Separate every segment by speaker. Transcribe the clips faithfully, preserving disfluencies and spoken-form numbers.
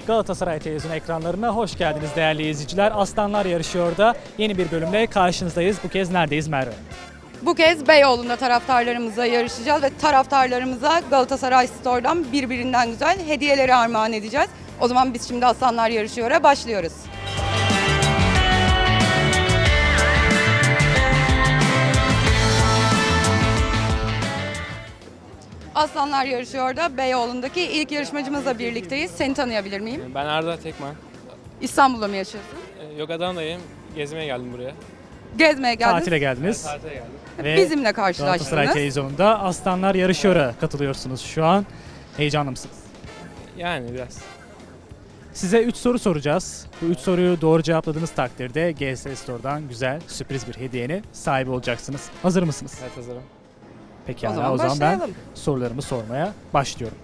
Speaker 1: Galatasaray Televizyon ekranlarına hoş geldiniz değerli izleyiciler. Aslanlar yarışıyor da yeni bir bölümle karşınızdayız. Bu kez neredeyiz Merve?
Speaker 2: Bu kez Beyoğlu'nda taraftarlarımıza yarışacağız ve taraftarlarımıza Galatasaray Store'dan birbirinden güzel hediyeleri armağan edeceğiz. O zaman biz şimdi Aslanlar Yarışıyor'a başlıyoruz. Aslanlar Yarışıyor'da Beyoğlu'ndaki ilk yarışmacımızla birlikteyiz. Seni tanıyabilir miyim?
Speaker 3: Ben Arda Tekman.
Speaker 2: İstanbul'da mı yaşıyorsun?
Speaker 3: Ee, Yok Adana'dayım. Gezmeye geldim buraya.
Speaker 2: Gezmeye geldin.
Speaker 1: Tatile geldiniz.
Speaker 3: Tatile geldim.
Speaker 1: Ve
Speaker 2: Bizimle
Speaker 1: Galatasaray
Speaker 2: karşılaştınız.
Speaker 1: Televizyonunda Aslanlar Yarışıyor'a katılıyorsunuz şu an. Heyecanlı mısınız?
Speaker 3: Yani biraz.
Speaker 1: Size üç soru soracağız. Bu üç soruyu doğru cevapladığınız takdirde G S Store'dan güzel sürpriz bir hediyenin sahibi olacaksınız. Hazır mısınız?
Speaker 3: Evet, hazırım.
Speaker 1: Pekala,
Speaker 2: O zaman
Speaker 1: o zaman ben
Speaker 2: başlayalım.
Speaker 1: sorularımı sormaya başlıyorum.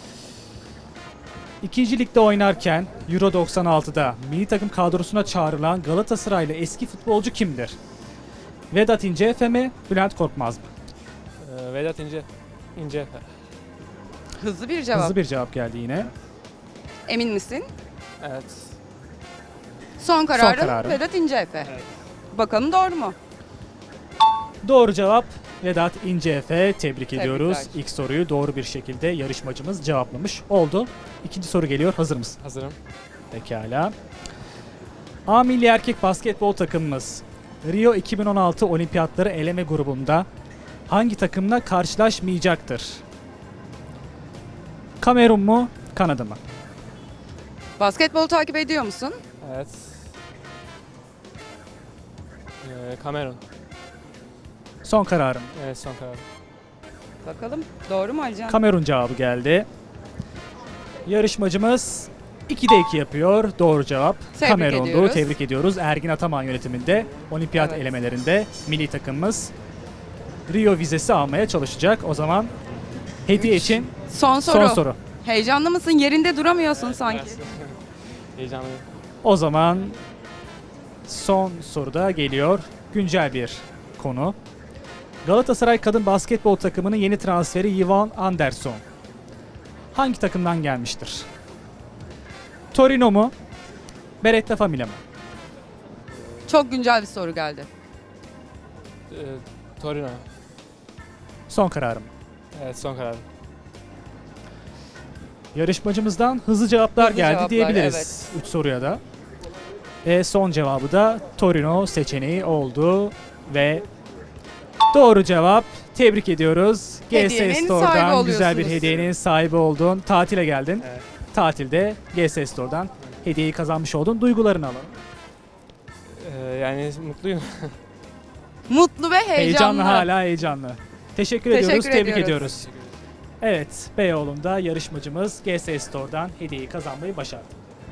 Speaker 1: İkinci ligde oynarken Euro doksan altıda milli takım kadrosuna çağrılan Galatasaraylı eski futbolcu kimdir? Vedat İnceefe mi, Bülent Korkmaz mı?
Speaker 3: Ee, Vedat İnce. İnce.
Speaker 2: Hızlı bir cevap.
Speaker 1: Hızlı bir cevap geldi yine.
Speaker 2: Emin misin?
Speaker 3: Evet.
Speaker 2: Son kararın
Speaker 1: kararım.
Speaker 2: Vedat İnceefe.
Speaker 3: Evet.
Speaker 2: Bakalım doğru mu?
Speaker 1: Doğru cevap Vedat İnceefe. Tebrik ediyoruz.
Speaker 2: Tebrikler.
Speaker 1: İlk soruyu doğru bir şekilde yarışmacımız cevaplamış oldu. İkinci soru geliyor. Hazır mısın?
Speaker 3: Hazırım.
Speaker 1: Pekala. A milli erkek basketbol takımımız Rio iki bin on altı olimpiyatları eleme grubunda hangi takımla karşılaşmayacaktır? Kamerun mu, Kanada mı?
Speaker 2: Basketbolu takip ediyor musun?
Speaker 3: Evet. Ee, Kamerun.
Speaker 1: Son kararım.
Speaker 3: Evet, son karar.
Speaker 2: Bakalım doğru mu Alican?
Speaker 1: Kamerun cevabı geldi. Yarışmacımız ikide iki yapıyor. Doğru cevap
Speaker 2: Tebrik
Speaker 1: Kamerun'du.
Speaker 2: ediyoruz.
Speaker 1: Tebrik ediyoruz. Ergin Ataman yönetiminde olimpiyat
Speaker 2: Evet.
Speaker 1: elemelerinde milli takımımız Rio vizesi almaya çalışacak. O zaman hediye
Speaker 2: Üç.
Speaker 1: için
Speaker 2: Son soru.
Speaker 1: son soru.
Speaker 2: Heyecanlı mısın? Yerinde duramıyorsun sanki.
Speaker 3: Biraz. Heyecanlıyım.
Speaker 1: O zaman son soruda geliyor. Güncel bir konu. Galatasaray kadın basketbol takımının yeni transferi Ivan Anderson hangi takımdan gelmiştir? Torino mu? Beretta Famiglia mı?
Speaker 2: Çok güncel bir soru geldi.
Speaker 3: Ee, Torino.
Speaker 1: Son kararım.
Speaker 3: Evet, son karar.
Speaker 1: Yarışmacımızdan hızlı cevaplar
Speaker 2: Hızlı
Speaker 1: geldi
Speaker 2: cevaplar,
Speaker 1: diyebiliriz. Üç soruya da. Ve son cevabı da Torino seçeneği oldu ve doğru cevap. Tebrik ediyoruz. G S
Speaker 2: Hediyenin sahibi
Speaker 1: Store'dan güzel bir
Speaker 2: oluyorsunuz.
Speaker 1: hediyenin sahibi oldun. Tatile geldin.
Speaker 3: Evet.
Speaker 1: Tatilde G S Store'dan hediyeyi kazanmış oldun. Duygularını alalım.
Speaker 3: Ee, yani mutluyum.
Speaker 2: Mutlu ve heyecanlı.
Speaker 1: Heyecanlı, hala heyecanlı. Teşekkür,
Speaker 2: Teşekkür
Speaker 1: ediyoruz, tebrik
Speaker 2: ediyoruz.
Speaker 1: ediyoruz. Evet, Beyoğlu'nda yarışmacımız G S Store'dan hediyeyi kazanmayı başardı.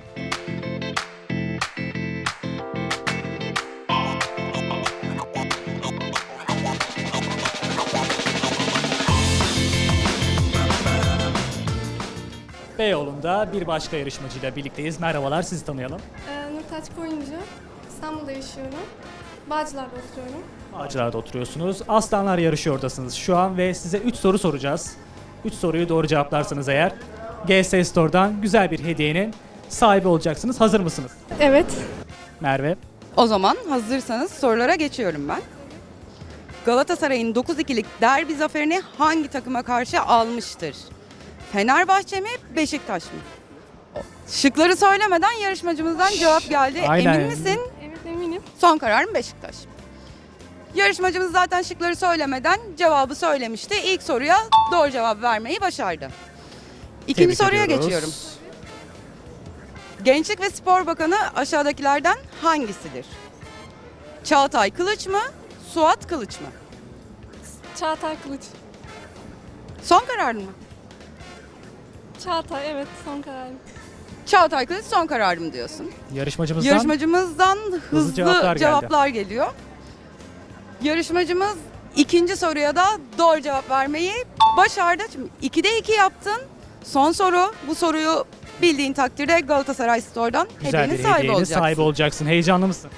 Speaker 1: Beyoğlu'nda bir başka yarışmacıyla birlikteyiz. Merhabalar, sizi tanıyalım.
Speaker 4: Ee, Nurtaç Koyuncu. İstanbul'da yaşıyorum. Bağcılar'da oturuyorum.
Speaker 1: Ağaçlar'da oturuyorsunuz. Aslanlar yarışıyordasınız şu an ve size üç soru soracağız. üç soruyu doğru cevaplarsanız eğer G S Store'dan güzel bir hediyenin sahibi olacaksınız. Hazır mısınız?
Speaker 4: Evet.
Speaker 1: Merve.
Speaker 2: O zaman hazırsanız sorulara geçiyorum ben. Galatasaray'ın dokuz ikilik derbi zaferini hangi takıma karşı almıştır? Fenerbahçe mi, Beşiktaş mı? Şıkları söylemeden yarışmacımızdan cevap geldi.
Speaker 1: Aynen.
Speaker 2: Emin misin?
Speaker 4: Evet eminim.
Speaker 2: Son kararım Beşiktaş. Yarışmacımız zaten şıkları söylemeden cevabı söylemişti. İlk soruya doğru cevap vermeyi başardı. İkinci
Speaker 1: Tebrik
Speaker 2: soruya
Speaker 1: ediyoruz.
Speaker 2: geçiyorum. Gençlik ve Spor Bakanı aşağıdakilerden hangisidir? Çağatay Kılıç mı, Suat Kılıç mı?
Speaker 4: Çağatay Kılıç.
Speaker 2: Son kararın mı?
Speaker 4: Çağatay evet son kararım.
Speaker 2: Çağatay Kılıç son kararım diyorsun.
Speaker 1: Yarışmacımızdan
Speaker 2: Yarışmacımızdan hızlı,
Speaker 1: cevaplar
Speaker 2: cevaplar,
Speaker 1: geldi.
Speaker 2: geliyor. Yarışmacımız ikinci soruya da doğru cevap vermeyi başardı. Şimdi ikide iki yaptın. Son soru. Bu soruyu bildiğin takdirde Galatasaray Store'dan
Speaker 1: güzel
Speaker 2: hediyenin
Speaker 1: bir
Speaker 2: sahibi
Speaker 1: hediyenin
Speaker 2: olacaksın.
Speaker 1: sahibi olacaksın. Heyecanlı mısın?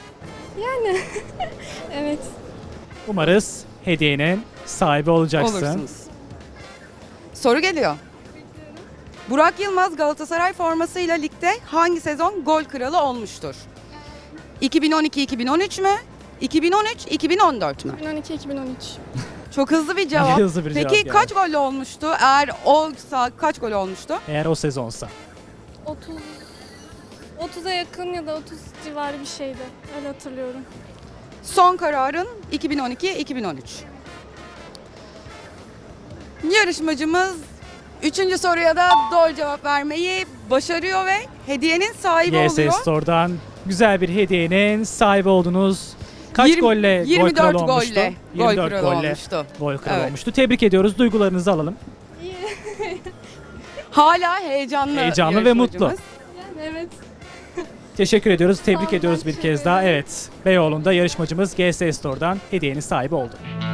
Speaker 4: Evet.
Speaker 1: Umarız hediyenin sahibi olacaksın.
Speaker 2: Olursunuz. Soru geliyor. Burak Yılmaz Galatasaray formasıyla ligde hangi sezon gol kralı olmuştur? iki bin on iki iki bin on üç mü? iki bin on üç iki bin on dört mü?
Speaker 4: iki bin on iki iki bin on üç.
Speaker 2: Çok hızlı bir cevap.
Speaker 1: Hızlı bir
Speaker 2: Peki
Speaker 1: cevap yani.
Speaker 2: kaç golle olmuştu? Eğer olsa kaç gol olmuştu?
Speaker 1: Eğer o sezonsa.
Speaker 4: otuz otuza yakın ya da otuz civarı bir şeydi. Öyle hatırlıyorum.
Speaker 2: Son kararın iki bin on iki iki bin on üç. Yarışmacımız üçüncü soruya da doğru cevap vermeyi başarıyor ve hediyenin sahibi
Speaker 1: G S
Speaker 2: oluyor.
Speaker 1: Store'dan güzel bir hediyenin sahibi oldunuz. Kaç
Speaker 2: Yirmi-
Speaker 1: golle gol
Speaker 2: yirmi dört
Speaker 1: kralı olmuştu?
Speaker 2: golle gol
Speaker 1: yirmi dört
Speaker 2: kralı
Speaker 1: golle
Speaker 2: olmuştu.
Speaker 1: gol kralı
Speaker 2: Evet.
Speaker 1: olmuştu. Tebrik ediyoruz. Duygularınızı alalım.
Speaker 4: İyi.
Speaker 2: Hala heyecanlı
Speaker 1: Heyecanlı ve mutlu.
Speaker 2: yarışmacımız.
Speaker 4: Yani evet.
Speaker 1: Teşekkür ediyoruz. Tebrik
Speaker 4: Sağ olun,
Speaker 1: ediyoruz
Speaker 4: ben
Speaker 1: bir
Speaker 4: teşekkür
Speaker 1: kez daha.
Speaker 4: ederim.
Speaker 1: Evet. Beyoğlu'nda yarışmacımız G S Store'dan hediyenin sahibi oldu.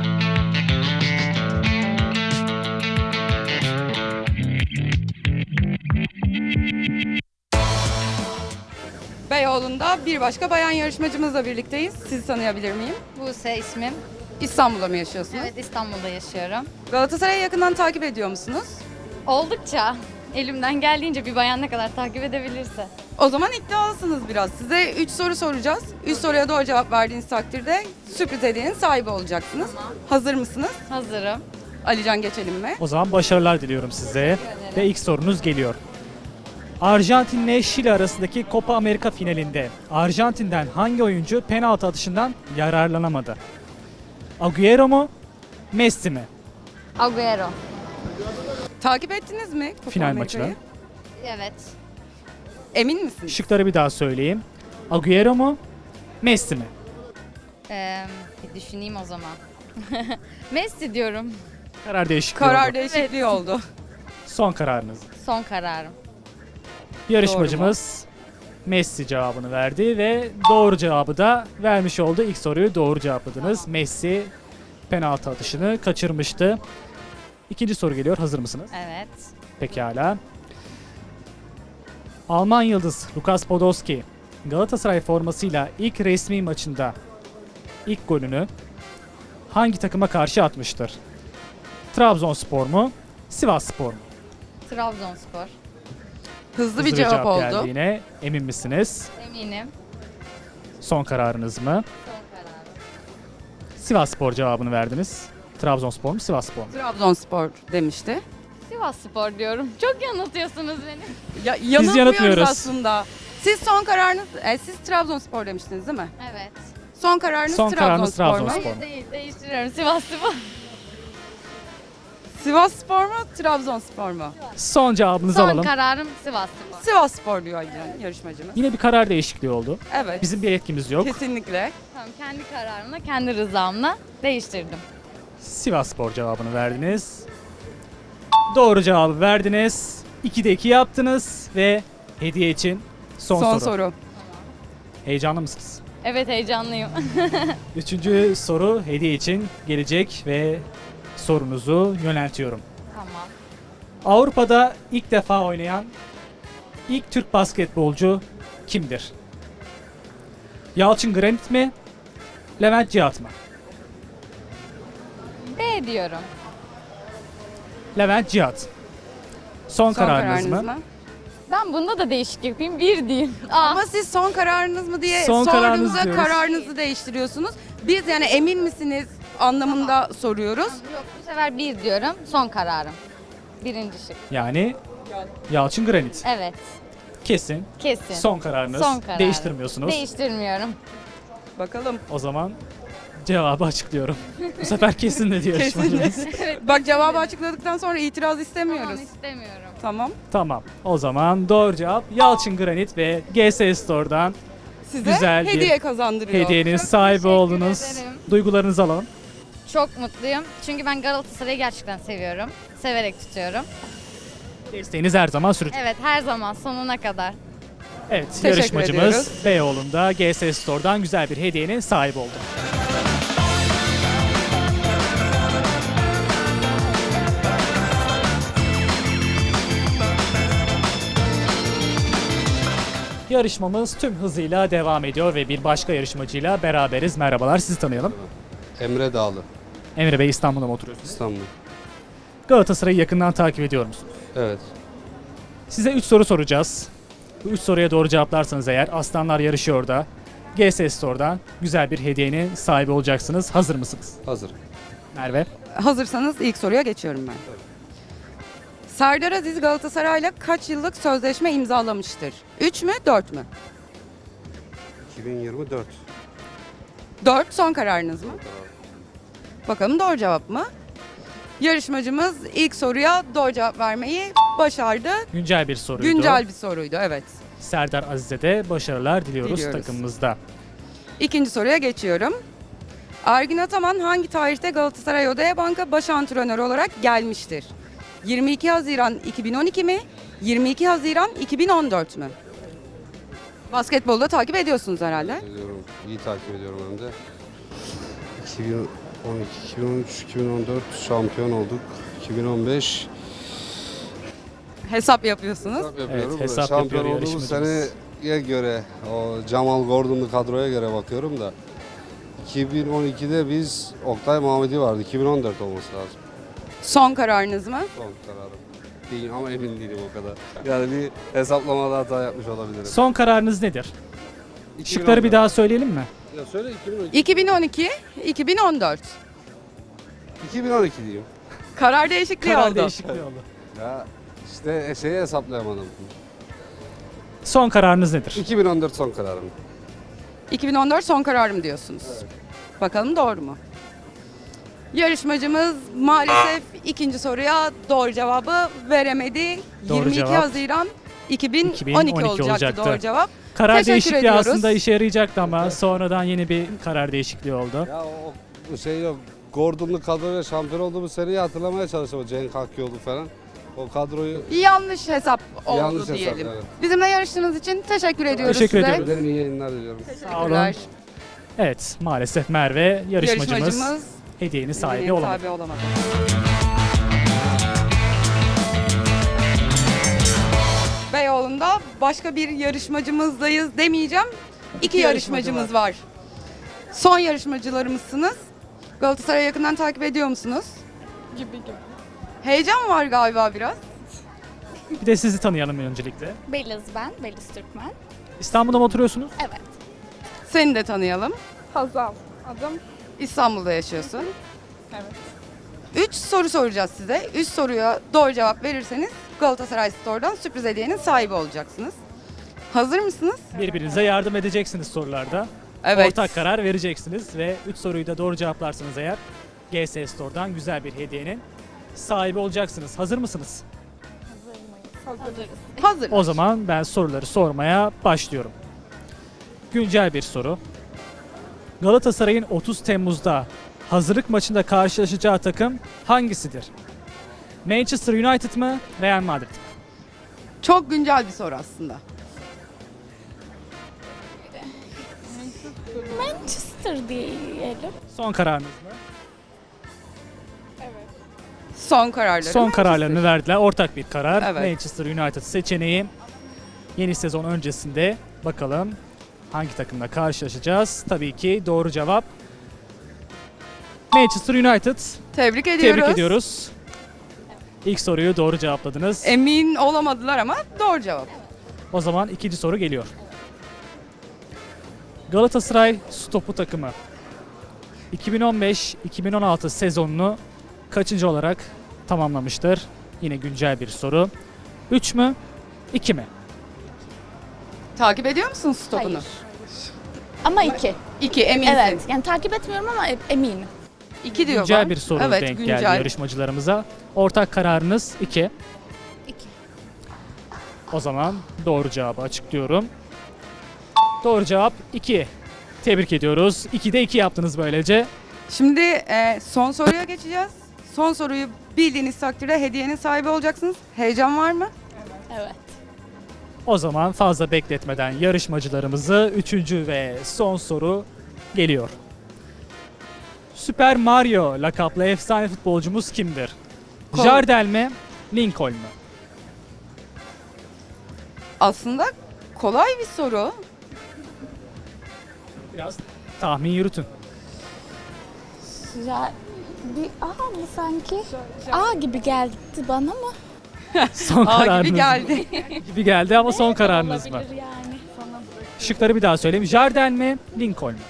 Speaker 2: Beyoğlu'nda bir başka bayan yarışmacımızla birlikteyiz. Sizi tanıyabilir miyim?
Speaker 5: Buse ismim.
Speaker 2: İstanbul'da mı yaşıyorsunuz?
Speaker 5: Evet, İstanbul'da yaşıyorum.
Speaker 2: Galatasaray'ı yakından takip ediyor musunuz?
Speaker 5: Oldukça elimden geldiğince bir bayan ne kadar takip edebilirse.
Speaker 2: O zaman iddialısınız biraz. Size üç soru soracağız. üç soruya doğru cevap verdiğiniz takdirde sürpriz hediyenin sahibi olacaksınız. Hazır mısınız?
Speaker 5: Hazırım.
Speaker 2: Alican geçelim mi?
Speaker 1: O zaman başarılar diliyorum size. Ve ilk sorunuz geliyor. Arjantin ile Şili arasındaki Copa Amerika finalinde Arjantin'den hangi oyuncu penaltı atışından yararlanamadı? Agüero mu? Messi mi?
Speaker 5: Agüero.
Speaker 2: Takip ettiniz mi Copa
Speaker 1: Final
Speaker 2: Amerika'yı?
Speaker 1: maçını.
Speaker 5: Evet.
Speaker 2: Emin misiniz?
Speaker 1: Şıkları bir daha söyleyeyim. Agüero mu? Messi mi?
Speaker 5: Ee, bir düşüneyim o zaman. Messi diyorum.
Speaker 1: Karar değişikliği
Speaker 2: Karar
Speaker 1: oldu.
Speaker 2: değişikliği oldu.
Speaker 1: Son kararınız.
Speaker 5: Son kararım.
Speaker 1: Yarışmacımız Messi cevabını verdi ve doğru cevabı da vermiş oldu. İlk soruyu doğru cevapladınız. Messi penaltı atışını kaçırmıştı. İkinci soru geliyor. Hazır mısınız?
Speaker 5: Evet.
Speaker 1: Pekala. Alman yıldız Lukas Podolski Galatasaray formasıyla ilk resmi maçında ilk golünü hangi takıma karşı atmıştır? Trabzonspor mu? Sivasspor mu?
Speaker 5: Trabzonspor.
Speaker 2: Hızlı,
Speaker 1: Hızlı
Speaker 2: bir cevap, oldu.
Speaker 1: geldiğine emin misiniz?
Speaker 5: Eminim.
Speaker 1: Son kararınız mı?
Speaker 5: Son kararım.
Speaker 1: Sivasspor cevabını verdiniz. Trabzonspor mu Sivasspor mu?
Speaker 2: Trabzonspor demişti.
Speaker 5: Sivasspor diyorum. Çok yanıltıyorsunuz beni.
Speaker 2: Ya, yanılmıyoruz
Speaker 1: yanıltmıyoruz.
Speaker 2: aslında. Siz son kararınız, e, siz Trabzonspor demiştiniz değil mi?
Speaker 5: Evet.
Speaker 2: Son kararınız
Speaker 1: Son kararınız
Speaker 2: Trabzonspor mu?
Speaker 1: Trabzonspor.
Speaker 5: Hayır değil. Değiştiriyorum. Sivasspor.
Speaker 2: Sivasspor mu, Trabzonspor mu?
Speaker 1: Son cevabınızı
Speaker 5: Son
Speaker 1: alalım.
Speaker 5: kararım Sivasspor.
Speaker 2: Sivasspor diyor yani yarışmacımız.
Speaker 1: Yine bir karar değişikliği oldu.
Speaker 2: Evet.
Speaker 1: Bizim bir yetkimiz yok.
Speaker 2: Kesinlikle.
Speaker 5: Tamam, kendi kararımla, kendi rızamla değiştirdim.
Speaker 1: Sivasspor cevabını verdiniz. Doğru cevabı verdiniz. ikide iki yaptınız ve hediye için son,
Speaker 2: Son,
Speaker 1: soru.
Speaker 2: soru.
Speaker 1: Heyecanlı mısınız?
Speaker 5: Evet, heyecanlıyım.
Speaker 1: Üçüncü soru hediye için gelecek ve sorunuzu yöneltiyorum.
Speaker 5: Tamam.
Speaker 1: Avrupa'da ilk defa oynayan ilk Türk basketbolcu kimdir? Yalçın Granit mi? Levent Cihat mı?
Speaker 5: B diyorum.
Speaker 1: Levent Cihat. Son,
Speaker 2: Son
Speaker 1: kararınız,
Speaker 2: kararınız
Speaker 1: mı?
Speaker 2: mı?
Speaker 5: Ben bunda da değişik yapayım. Bir diyeyim. Aa,
Speaker 2: Ama siz son kararınız mı diye
Speaker 1: Son kararınız
Speaker 2: sorduğumuzda
Speaker 1: diyoruz.
Speaker 2: kararınızı değiştiriyorsunuz. Biz yani emin misiniz anlamında soruyoruz.
Speaker 5: yok, bu sefer bir diyorum. Son kararım. Birinci şık.
Speaker 1: Yani Yalçın Granit.
Speaker 5: Evet.
Speaker 1: Kesin.
Speaker 5: Kesin.
Speaker 1: Son kararınız.
Speaker 5: Son kararım.
Speaker 1: Değiştirmiyorsunuz.
Speaker 5: Değiştirmiyorum.
Speaker 2: Bakalım.
Speaker 1: O zaman cevabı açıklıyorum. Bu sefer kesin dedi yarışmacımız.
Speaker 2: Bak cevabı açıkladıktan sonra itiraz istemiyoruz.
Speaker 5: Tamam, istemiyorum.
Speaker 2: Tamam.
Speaker 1: Tamam. O zaman doğru cevap Yalçın Granit ve G S Store'dan
Speaker 2: Size
Speaker 1: Güzel bir
Speaker 2: hediye kazandırıyor.
Speaker 1: hediyenin sahibi
Speaker 5: teşekkür
Speaker 1: oldunuz.
Speaker 5: ederim.
Speaker 1: Duygularınızı alalım.
Speaker 5: Çok mutluyum. Çünkü ben Galatasaray'ı gerçekten seviyorum. Severek tutuyorum.
Speaker 1: Desteğiniz her zaman sürecek.
Speaker 5: Evet, her zaman sonuna kadar.
Speaker 1: Evet,
Speaker 2: Teşekkür
Speaker 1: yarışmacımız
Speaker 2: ediyoruz.
Speaker 1: Beyoğlu'nda G S Store'dan güzel bir hediyenin sahibi oldu. Yarışmamız tüm hızıyla devam ediyor ve bir başka yarışmacıyla beraberiz. Merhabalar, sizi tanıyalım.
Speaker 6: Emre Dağlı,
Speaker 1: Emre Bey, İstanbul'da mı oturuyorsunuz?
Speaker 6: İstanbul.
Speaker 1: Galatasaray'ı yakından takip ediyor musunuz?
Speaker 6: Evet.
Speaker 1: Size üç soru soracağız. Bu üç soruya doğru cevaplarsanız eğer Aslanlar yarışıyor da G S Store'dan güzel bir hediyenin sahibi olacaksınız. Hazır mısınız?
Speaker 6: Hazır.
Speaker 1: Merve.
Speaker 2: Hazırsanız ilk soruya geçiyorum ben. Serdar Aziz Galatasaray'la kaç yıllık sözleşme imzalamıştır? üç mü, dört mü?
Speaker 6: iki bin yirmi dört.
Speaker 2: dört son kararınız mı? Bakalım doğru cevap mı? Yarışmacımız ilk soruya doğru cevap vermeyi başardı.
Speaker 1: Güncel bir soruydu.
Speaker 2: Güncel bir soruydu, evet.
Speaker 1: Serdar Aziz'e de başarılar diliyoruz,
Speaker 2: Diliyoruz.
Speaker 1: takımımızda.
Speaker 2: İkinci soruya geçiyorum. Ergin Ataman hangi tarihte Galatasaray Odaya Banka baş antrenörü olarak gelmiştir? yirmi iki Haziran iki bin on iki mi? yirmi iki Haziran iki bin on dört mü? Basketbolda takip ediyorsunuz herhalde.
Speaker 6: Ediyorum. İyi takip ediyorum hem de. iki bin on iki, iki bin on üç, iki bin on dört şampiyon olduk. iki bin on beş
Speaker 2: Hesap yapıyorsunuz.
Speaker 6: hesap yapıyorum.
Speaker 1: Evet, hesap
Speaker 6: şampiyon
Speaker 1: yapıyor
Speaker 6: olduğumuz
Speaker 1: yarışmacımız.
Speaker 6: seneye göre, o Cemal Gordon'lu kadroya göre bakıyorum da iki bin on ikide biz Oktay Mahmudi vardı. iki bin on dört olması lazım.
Speaker 2: Son kararınız mı?
Speaker 6: Son kararım. Değil ama emin değilim o kadar. Yani bir hesaplamada hata yapmış olabilirim.
Speaker 1: Son kararınız nedir?
Speaker 6: iki bin on
Speaker 1: Şıkları bir
Speaker 6: dört.
Speaker 1: daha söyleyelim mi?
Speaker 6: Ya söyle iki bin on iki.
Speaker 2: iki bin on iki, iki bin on dört.
Speaker 6: iki bin on iki diyeyim.
Speaker 2: Karar değişikliği
Speaker 1: Karar
Speaker 2: oldu.
Speaker 1: değişikliği oldu.
Speaker 6: Ya işte şeyi hesaplayamadım.
Speaker 1: Son kararınız nedir?
Speaker 6: iki bin on dört son kararım.
Speaker 2: iki bin on dört son kararım diyorsunuz. Bakalım doğru mu? Yarışmacımız maalesef ikinci soruya doğru cevabı veremedi.
Speaker 1: Doğru
Speaker 2: yirmi iki
Speaker 1: cevap.
Speaker 2: Haziran iki bin on iki,
Speaker 1: iki bin on iki
Speaker 2: olacaktı,
Speaker 1: olacaktı.
Speaker 2: doğru cevap.
Speaker 1: Karar
Speaker 2: Teşekkür
Speaker 1: değişikliği
Speaker 2: ediyoruz.
Speaker 1: aslında işe yarayacaktı ama sonradan yeni bir karar değişikliği oldu.
Speaker 6: Ya o, o şey yok. Gordon'lu kadroyla şampiyon olduğumuz seriyi hatırlamaya çalıştım. Cenk Hakkıoğlu falan. O kadroyu
Speaker 2: Yanlış hesap oldu
Speaker 6: yanlış hesap.
Speaker 2: diyelim.
Speaker 6: Evet.
Speaker 2: Bizimle yarıştığınız için teşekkür ediyoruz
Speaker 1: Teşekkür
Speaker 2: size.
Speaker 1: ediyoruz.
Speaker 6: Ederim, iyi yayınlar diliyorum.
Speaker 1: Sağ olun.
Speaker 2: Teşekkürler.
Speaker 1: Evet, maalesef Merve yarışmacımız,
Speaker 2: Yarışmacımız
Speaker 1: hediyenin sahibi
Speaker 2: hediyenin
Speaker 1: olamadı.
Speaker 2: sahibi olamadı. Beyoğlu'nda başka bir yarışmacımızdayız demeyeceğim. İki,
Speaker 1: İki
Speaker 2: yarışmacımız
Speaker 1: yarışmacı
Speaker 2: var. Son yarışmacılarımızsınız. Galatasaray'ı yakından takip ediyor musunuz?
Speaker 4: Gibi gibi.
Speaker 2: Heyecan var galiba biraz.
Speaker 1: Bir de sizi tanıyalım öncelikle.
Speaker 7: Beliz ben, Beliz Türkmen.
Speaker 1: İstanbul'da mı oturuyorsunuz?
Speaker 7: Evet.
Speaker 2: Seni de tanıyalım.
Speaker 4: Hazal. Adım.
Speaker 2: İstanbul'da yaşıyorsun.
Speaker 4: Evet.
Speaker 2: Üç soru soracağız size. Üç soruya doğru cevap verirseniz Galatasaray Store'dan sürpriz hediyenin sahibi olacaksınız. Hazır mısınız?
Speaker 1: Birbirinize yardım edeceksiniz sorularda.
Speaker 2: Evet.
Speaker 1: Ortak karar vereceksiniz ve üç soruyu da doğru cevaplarsanız eğer G S Store'dan güzel bir hediyenin sahibi olacaksınız. Hazır mısınız?
Speaker 7: Hazırız.
Speaker 2: Hazır.
Speaker 1: O zaman ben soruları sormaya başlıyorum. Güncel bir soru. Galatasaray'ın otuz Temmuz'da hazırlık maçında karşılaşacağı takım hangisidir? Manchester United mı, Real Madrid mi?
Speaker 2: Çok güncel bir soru aslında.
Speaker 7: Manchester diyelim.
Speaker 1: Son kararınız mı?
Speaker 2: Son kararları.
Speaker 1: Son
Speaker 2: Manchester.
Speaker 1: kararlarını verdiler. Ortak bir karar.
Speaker 2: Evet.
Speaker 1: Manchester United seçeneği. Yeni sezon öncesinde bakalım hangi takımla karşılaşacağız? Tabii ki doğru cevap Manchester United.
Speaker 2: Tebrik ediyoruz.
Speaker 1: Tebrik ediyoruz. İlk soruyu doğru cevapladınız.
Speaker 2: Emin olamadılar ama doğru cevap.
Speaker 1: O zaman ikinci soru geliyor. Galatasaray stopu takımı iki bin on beş iki bin on altı sezonunu kaçıncı olarak tamamlamıştır? Yine güncel bir soru. üç mü? iki mi?
Speaker 2: Takip ediyor musun stopunu?
Speaker 7: Hayır. Ama iki.
Speaker 2: İki eminsin.
Speaker 7: Evet. Yani takip etmiyorum ama e- eminim.
Speaker 2: İki diyor
Speaker 1: Güncel
Speaker 2: bak.
Speaker 1: bir soru
Speaker 2: evet,
Speaker 1: denk
Speaker 2: güncel.
Speaker 1: geldi yarışmacılarımıza. Ortak kararınız iki.
Speaker 7: İki.
Speaker 1: O zaman doğru cevabı açıklıyorum. Doğru cevap iki. Tebrik ediyoruz. ikide iki yaptınız böylece.
Speaker 2: Şimdi e, son soruya geçeceğiz. Son soruyu bildiğiniz takdirde hediyenin sahibi olacaksınız. Heyecan var mı?
Speaker 7: Evet.
Speaker 1: O zaman fazla bekletmeden yarışmacılarımızı üçüncü ve son soru geliyor. Süper Mario lakaplı efsane futbolcumuz kimdir?
Speaker 2: Kol-
Speaker 1: Jardel mi? Lincoln mu?
Speaker 2: Aslında kolay bir soru.
Speaker 1: Biraz tahmin yürütün.
Speaker 7: Ya bir A mı sanki? A gibi geldi bana ama.
Speaker 1: Son
Speaker 2: A
Speaker 1: kararınız
Speaker 2: gibi
Speaker 1: mı?
Speaker 2: geldi.
Speaker 1: Gibi geldi ama son kararınız mı?
Speaker 7: Olabilir yani falan.
Speaker 1: Şıkları bir daha söyleyeyim. Jardel mi, Lincoln mu?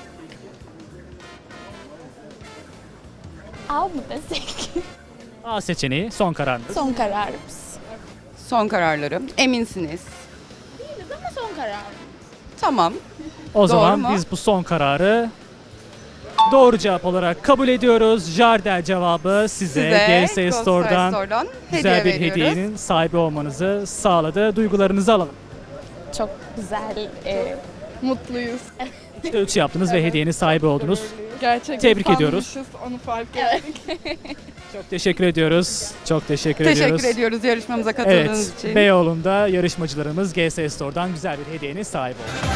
Speaker 7: Av mı desek?
Speaker 1: A seçeneği son kararınız.
Speaker 7: Son kararımız.
Speaker 2: Son kararlarım. Eminsiniz.
Speaker 7: Değiliz ama son karar.
Speaker 2: Tamam.
Speaker 1: O zaman
Speaker 2: mu?
Speaker 1: biz bu son kararı doğru cevap olarak kabul ediyoruz. Jardel cevabı size,
Speaker 2: Size
Speaker 1: G S
Speaker 2: Ghost
Speaker 1: Store'dan
Speaker 2: Store'dan
Speaker 1: güzel
Speaker 2: hediye
Speaker 1: bir
Speaker 2: veriyoruz.
Speaker 1: hediyenin sahibi olmanızı sağladı. Duygularınızı alalım.
Speaker 7: Çok güzel. E, mutluyuz.
Speaker 1: İşte üç yaptınız ve hediyenin sahibi oldunuz.
Speaker 8: Gerçekten
Speaker 1: Tebrik ediyoruz.
Speaker 8: sanmışız, onu fark ettik.
Speaker 1: Çok teşekkür ediyoruz. Çok teşekkür,
Speaker 2: Teşekkür
Speaker 1: ediyoruz.
Speaker 2: ediyoruz yarışmamıza katıldığınız
Speaker 1: Evet,
Speaker 2: için.
Speaker 1: Beyoğlu'nda yarışmacılarımız G S Store'dan güzel bir hediyenin sahibi oldu.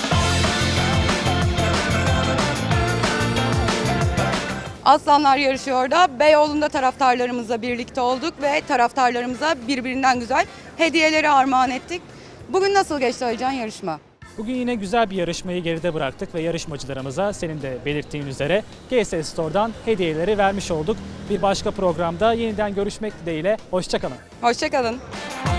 Speaker 2: Aslanlar yarışıyor da Beyoğlu'nda taraftarlarımızla birlikte olduk ve taraftarlarımıza birbirinden güzel hediyeleri armağan ettik. Bugün nasıl geçti Aycan yarışma?
Speaker 1: Bugün yine güzel bir yarışmayı geride bıraktık ve yarışmacılarımıza senin de belirttiğin üzere G S Store'dan hediyeleri vermiş olduk. Bir başka programda yeniden görüşmek dileğiyle. Hoşça kalın.
Speaker 2: Hoşçakalın.